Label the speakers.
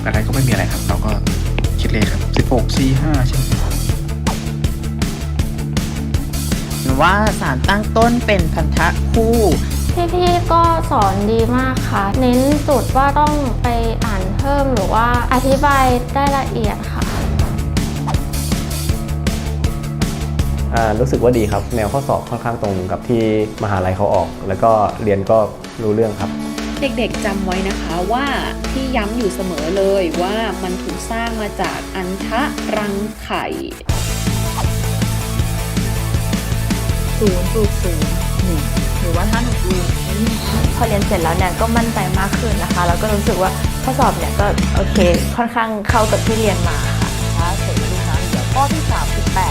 Speaker 1: อะไรก็ไม่มีอะไรครับเราก็คิดเลขครับ16 45ใช่ไหม
Speaker 2: ว่าสารตั้งต้นเป็นพันธะคู่
Speaker 3: พี่ๆก็สอนดีมากค่ะเน้นจุดว่าต้องไปอ่านเพิ่มหรือว่าอธิบายได้ละเอียดค่ะ
Speaker 4: รู้สึกว่าดีครับแนวข้อสอบค่อนข้างตรงกับที่มหาลัยเขาออกแล้วก็เรียนก็รู้เรื่องครับ
Speaker 5: เด็กๆจำไว้นะคะว่าที่ย้ำอยู่เสมอเลยว่ามันถูกสร้างมาจากอันทะรังไข่
Speaker 6: 0.01หรือว่าถ้าหนูดู
Speaker 3: พอเรียนเสร็จแล้วเนี่ยก็มั่นใจมากขึ้นนะคะแล้วก็รู้สึกว่าข้อสอบเนี่ยก็โอเคค่อนข้างเข้ากับที่เรียนมาค่ะ
Speaker 6: เสร็จดูนะเดี๋ยวข้อที่38